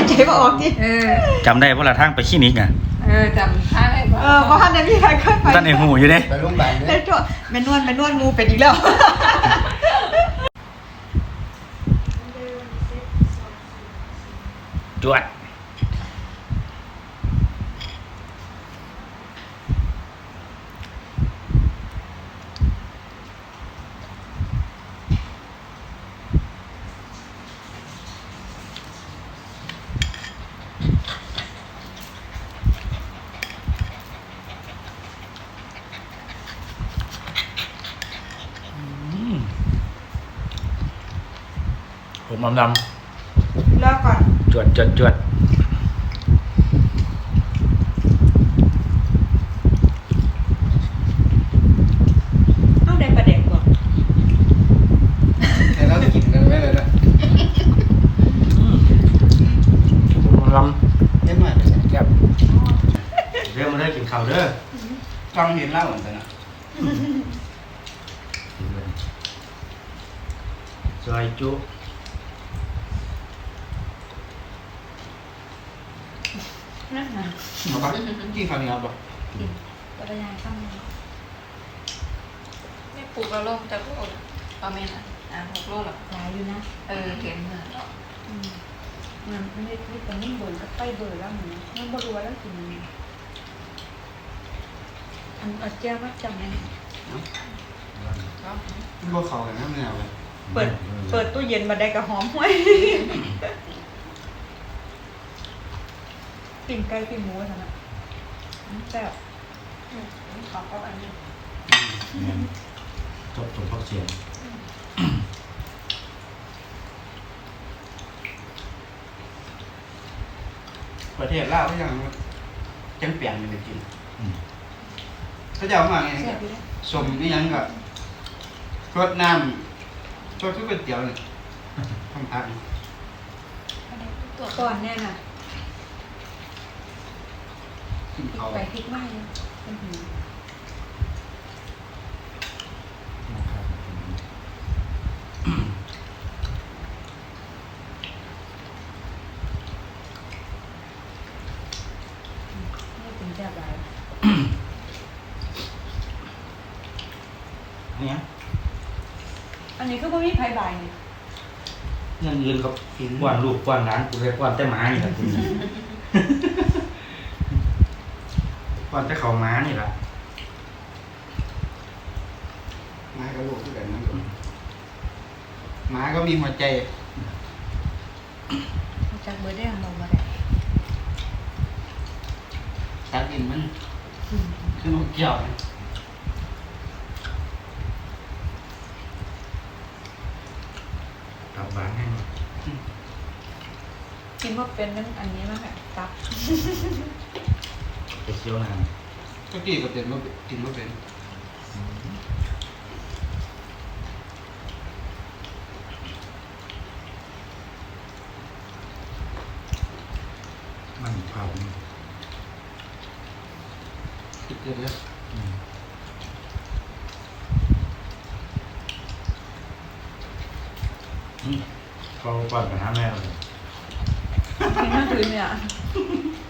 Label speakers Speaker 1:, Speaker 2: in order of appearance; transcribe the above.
Speaker 1: ใจบ่ออกที่
Speaker 2: จำได้เพราะละทางไปคลินิกอ่ะ
Speaker 3: จำท่าได้บ่
Speaker 1: เพราะท่านเนี่ยพี่ใครเคยไป
Speaker 2: ท่านไอ้หูอยู่เด้
Speaker 4: ไปโรงพยาบาลเด้
Speaker 1: แม่นวดงูเป็นอีกแล้ว
Speaker 2: จวดผมดำ
Speaker 1: รอก่อน
Speaker 2: จวด
Speaker 1: เอาได้ประเด็นก่อน
Speaker 4: ให้เรากินกันไว้เลยนะ
Speaker 2: ผมดำ
Speaker 4: เล่นหน่อยไปใส่
Speaker 2: แซ่บเรียกมาได้กินข้าวเด้อ
Speaker 4: จ้องเห็นเหล้าเหมือนกันนะ
Speaker 2: ซอยจุ
Speaker 4: เอาปะกินข้าวเหนียวปะ
Speaker 1: จักรยานข้างนี้
Speaker 3: ไม่ปลูกกระโลกจะโลกประมาณ6 โลหรอ
Speaker 1: หลายอยู่นะ
Speaker 3: เห็น
Speaker 1: มันไม่ได้ที่ตรงนี้เบิร์ก็ไปเบิร์แล้วเหมือนมันบ่รู้ว่าแล้วกินอันเอาแจ้วว่าจำได้
Speaker 4: พวกเขากันน้ำเหนียวเลย
Speaker 1: เปิดตู้เย็นมาได้กระหอมห้วยปิ้งไก่ปิ้งหมูนะนะแซ่บ
Speaker 3: ขอก็อันนี้
Speaker 2: จบพักเสียง
Speaker 4: ประเทศลาวก็ยังจังเปลี่ยนมันจะกินเขาจะเอามาไงสมนี่ยังกับรสน้ำรสทุกก๋วยเตี๋ยวเลยทำพัก
Speaker 1: ก่อนแน่น่ะ
Speaker 4: กินเขา
Speaker 1: ไปพริกไหม้ไม่ถึงจะไร
Speaker 2: เนี่ย
Speaker 1: อันนี้ก็ไม่มีไผ่ใบเนี่ย
Speaker 2: เงินยืนกับกวนลูกกวนร้านกูเลยกวนแต่หมานี่แหละคุณกวนแต่เขาม้านี่แหละ
Speaker 4: ม้าก็ลูกที่แบบนั้นม้าก็มีหัวใจ
Speaker 1: จากเบอร์ได้ลงมาได้
Speaker 4: ตัดกินมันคือนกเกี่ยว
Speaker 2: กลับบ้านให้หน่อย
Speaker 1: กินว่าเป็นนั่นอันนี้มากค่ะตับ
Speaker 2: ไปเที่ยวนาน
Speaker 4: ก็กี่ก็เป็นว่ากินว่าเป็น
Speaker 2: มันเผา
Speaker 4: คิดเยอะ
Speaker 2: เขาก่อนกับน้าแม่เลย
Speaker 1: กินมากคืนเนี่ย